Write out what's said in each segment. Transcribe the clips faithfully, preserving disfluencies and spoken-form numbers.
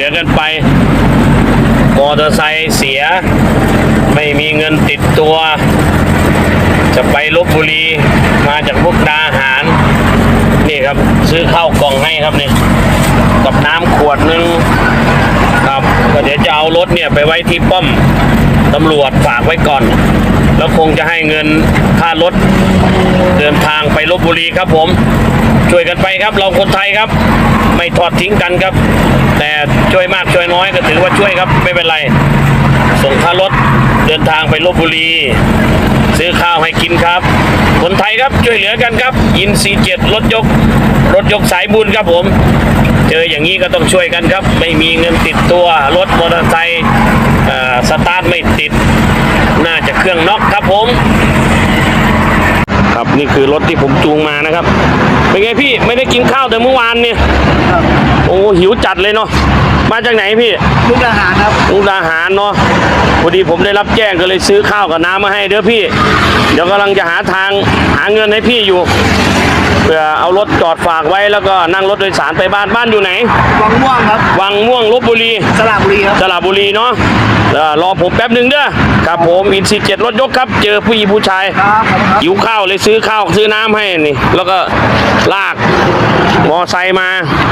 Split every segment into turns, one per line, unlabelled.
อกันไปมอเตอร์ไซค์เสียไม่มีเงินติดตัวจะไปลพบุรีมาจากมุกดาหารนี่ครับซื้อข้าวกล่องให้ครับนี่กับน้ำขวดนึงครับก็เดี๋ยวจะเอารถเนี่ยไปไว้ที่ป้อมตำรวจฝากไว้ก่อนแล้วคงจะให้เงินค่ารถเดินทางไปลพบุรีครับผมช่วยกันไปครับเราคนไทยครับไม่ทอดทิ้งกันครับแต่ช่วยมากช่วยน้อยก็ถือว่าช่วยครับไม่เป็นไรส่งค่ารถเดินทางไปลพบุรีซื้อข้าวให้กินครับคนไทยครับช่วยเหลือกันครับอินซีเจ็ดรถยกรถยกสายบุญครับผมเจออย่างนี้ก็ต้องช่วยกันครับไม่มีเงินติดตัวรถมอเตอร์ไซค์สตาร์ทไม่ติดน่าจะเครื่องน็อกครับผมครับนี่คือรถที่ผมจูงมานะครับเป็นไงพี่ไม่ได้กินข้าวแต่เมื่อวานเนี่ยโอ้หิวจัดเลยเนาะมาจากไหนพี่
มุกดาหารครับ
มุกดาหารเนาะพอดีผมได้รับแจ้งก็เลยซื้อข้าวกับน้ำมาให้เด้อพี่เดี๋ยวกำลังจะหาทางหาเงินให้พี่อยู่เพื่อเอารถจอดฝากไว้แล้วก็นั่งรถโดยสารไปบ้านบ้านอยู่ไหน
วังม่วงครับ
วังม่วงลพบุรี
สระบุรีครับ
สระบุรีเนาะรอผมแป๊บหนึ่งเด้อครับผมอินซีเจ็ดรถยกครับเจอผู้หญิงผู้ชายหิวข้าวเลยซื้อข้าวซื้อน้ำให้นี่แล้วก็ลากมอไซค์มา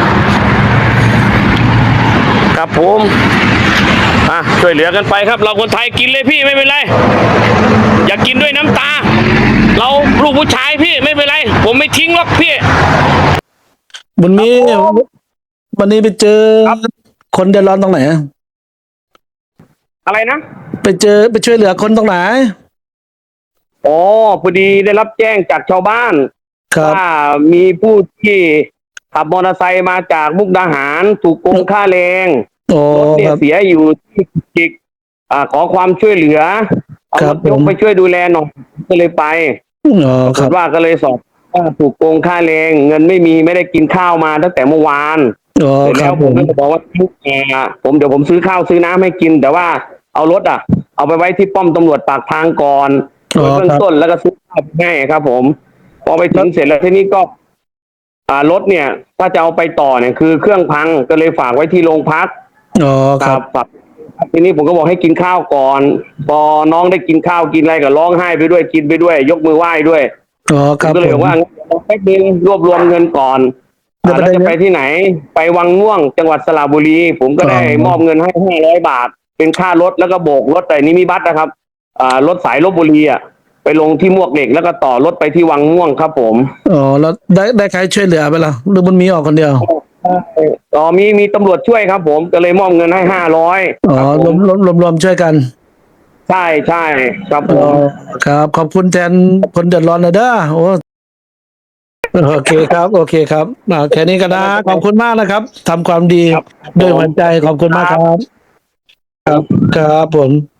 ครับผมอ่ะช่วยเหลือกันไปครับเราคนไทยกินเลยพี่ไม่เป็นไรอยากกินด้วยน้ำตาเราลูกผู้ชายพี่ไม่เป็นไรผมไม่ทิ้งหรอกพี่
วันนี้วันนี้ไปเจอคนเดือดร้อนตรงไหน
อะไรนะ
ไปเจอไปช่วยเหลือคนตรงไหน
อ๋อพอดีได้รับแจ้งจากชาวบ้าน
ว่า
มีผู้ที่ขับมอเตอร์ไซค์มาจากมุกดาหารถูกโกงค่าแรงรถเนี่ยเสียอยู่ที่จิกอ่าขอความช่วยเหลือเอารถยกไปช่วยดูแลหน่อยก็เลยไป
อ๋อครับ
ว่าก็เลยสอบว่าถูกโกงค่าแรงเงินไม่มีไม่ได้กินข้าวมาตั้งแต่เมื่อวาน
อ๋อ
แล้วผมก็บอกว่าทุกแง่ผมเดี๋ยวผมซื้อข้าวซื้อน้ำให้กินแต่ว่าเอารถอ่ะเอาไปไว้ที่ป้อมตำรวจปากทางก่อนโดยเบื้องต้นแล้วก็ซื้อข้าวให้ครับผมพอไปถึงเสร็จแล้วทีนี้ก็อ่ารถเนี่ยถ้าจะเอาไปต่อเนี่ยคือเครื่องพังก็เลยฝากไว้ที่โรงพัก
อ๋อครับ
ทีนี้ผมก็บอกให้กินข้าวก่อนพอน้องได้กินข้าวกินอะไรก็ร้องไห้ไปด้วยกินไปด้วยยกมือไหว้ด้วย
อ๋อครับ
ก็เลยบอกว่าแป๊บนึงรวบรวมเงินก่อนแล้วจะไปที่ไหนไปวังม่วงจังหวัดสระบุรีผมก็ได้มอบเงินให้ห้าร้อยบาทเป็นค่ารถแล้วก็โบกรถแต่นี้มีบัตรนะครับอ่ารถสายลพบุรีอ่ะไปลงที่มวกเหล็กแล้วก็ต่อรถไปที่วังม่วงครับผม
อ๋อแล้วได้ได้ใครช่วยเหลือไปล่ะหรือมันมีออกคนเดียว
อ๋อมีมีตำรวจช่วยครับผมก็เลยมอบเงินให้ห้าร้อย
อ๋อรวมรวมรวมรวมช่วยกัน
ใช่ใช่ครับผม
ครับขอบคุณแทนคนเดือดร้อนนะเด้อโอ้โอเคครับโอเคครับแค่นี้ก็นะขอบคุณมากนะครับทำความดีด้วยหัวใจขอบคุณมากครับครับครับผม